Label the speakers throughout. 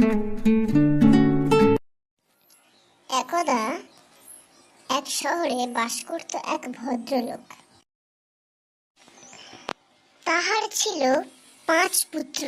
Speaker 1: একদা এক শহরে বাস করত এক ভদ্রলোক। তাহার ছিল 5 পুত্র।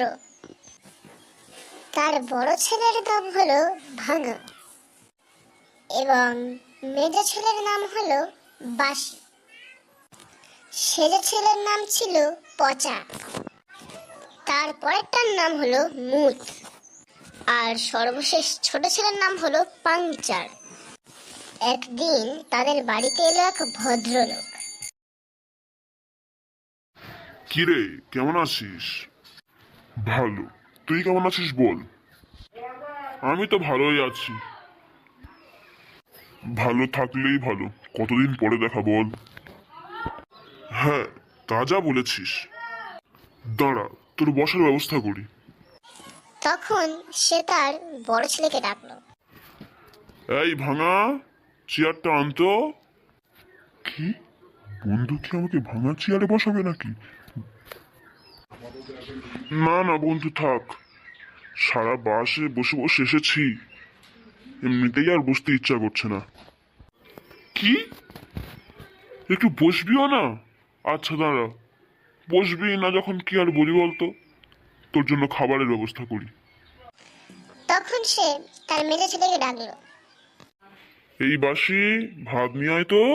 Speaker 1: তার বড় ছেলের নাম হলো ভাঙা এবং মেজ ছেলের নাম হলো বাসি। সেজ ছেলের নাম ছিল পচা, তার পরেরটার নাম হলো মুত, আর সর্বশেষ ছোট ছেলের নাম হলো পাংচার। একদিন তাদের বাড়িতে এলো এক ভদ্রলোক।
Speaker 2: কিরে, কেমন আছিস? ভালো। তুই কেমন আছিস বল। আমি তো ভালোই আছি। ভালো থাকলেই ভালো। কতদিন পরে দেখা বল। হ্যাঁ, তা যা বলেছিস। দাঁড়া, তোর বসার ব্যবস্থা করি।
Speaker 1: তখন সে তার বড় ছেলেকে ডাকলো।
Speaker 2: এই ভাঙা, চেয়ারটা আনতো। কি? বন্ধু কি আমাকে ভাঙা চেয়ারে বসাবে নাকি? না না বন্ধু, থাক। সারা বাসে বসে বসে এসেছি, এমনিতেই আর বসতে ইচ্ছা করছে না। কি? একটু বসবিও না? আচ্ছা দাঁড়া, বসবি না যখন কি আর বলি বলতো। তোর জন্য খাবারের ব্যবস্থা করি।
Speaker 1: তখন সে তার মেজ ছেলেকে ডাকলো।
Speaker 2: এই বাসি, ভাত নিয়ে আয় তো।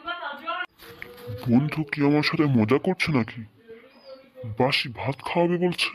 Speaker 2: বন্ধু কি আমার সাথে মজা করছে নাকি? বাসি ভাত খাওয়াবে বলছে।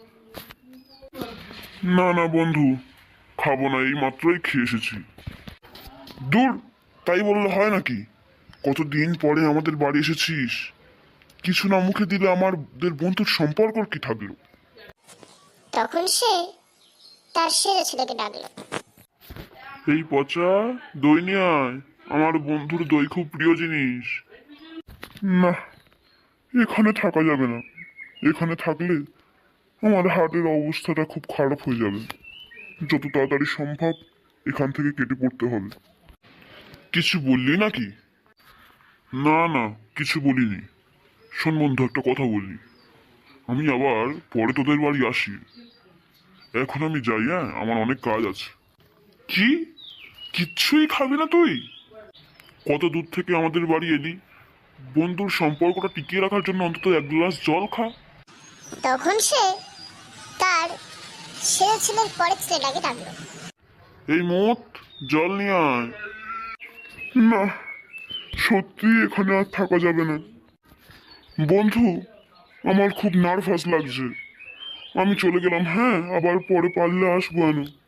Speaker 2: না না বন্ধু, খাবো না, এই মাত্রই খেয়ে এসেছি। দূর, তাই বললে হয় নাকি? কতদিন পরে আমাদের বাড়ি এসেছিস, কিছু না মুখে দিলে আমাদের বন্ধুর সম্পর্ক কি থাকলো?
Speaker 1: তখন সে তার সেজ ছেলেকে ডাকলো।
Speaker 2: এই পচা, দই নিয়ে আয়। আমার বন্ধুর দই খুব প্রিয় জিনিস। না, এখানে থাকা যাবে না। এখানে থাকলে আমার হার্টের অবস্থাটা খুব খারাপ হয়ে যাবে। যত তাড়াতাড়ি সম্ভব এখান থেকে কেটে পড়তে হবে। কিছু বললি নাকি? না না, কিছু বলিনি। শোন বন্ধু, একটা কথা বলি। আমি আবার পরে তোদের বাড়ি আসি। এখন আমি যাই, হ্যাঁ, আমার অনেক কাজ আছে। কি? কিচ্ছুই খাবি না তুই? কত দূর থেকে আমাদের বাড়ি এলি, বন্ধুর সম্পর্কটা টিকিয়ে রাখার জন্য অন্তত এক গ্লাস জল খা।
Speaker 1: তখন সে তার সেজ ছেলের পরের ছেলেটাকে ডাকলো।
Speaker 2: এই মোট, জল নিয়ে আয়। না, সত্যি এখানে আর থাকা যাবে না। বন্ধু, আমার খুব নার্ভাস লাগছে। আমি চলে গেলাম, হ্যাঁ, আবার পরে পারলে আসবো।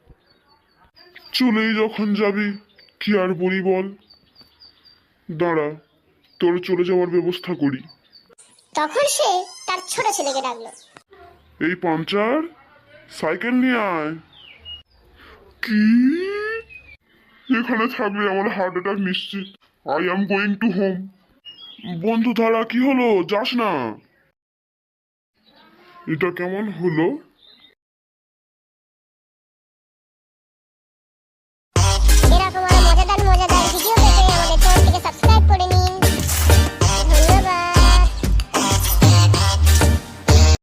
Speaker 2: চলেই যখন যাবি, কি আর বলি বল। দাঁড়া, তোর চলে যাওয়ার ব্যবস্থা করি।
Speaker 1: তখন সে তার ছোট ছেলেকে ডাকলো।
Speaker 2: এই পাঞ্চার, সাইকেল নিয়ে আয়। কি? এখানে থাকলে আমার হার্ট অ্যাটাক নিশ্চিত। I am going to home. বন্ধু ধারা, কি হলো? যাস না। এটা কেমন হলো?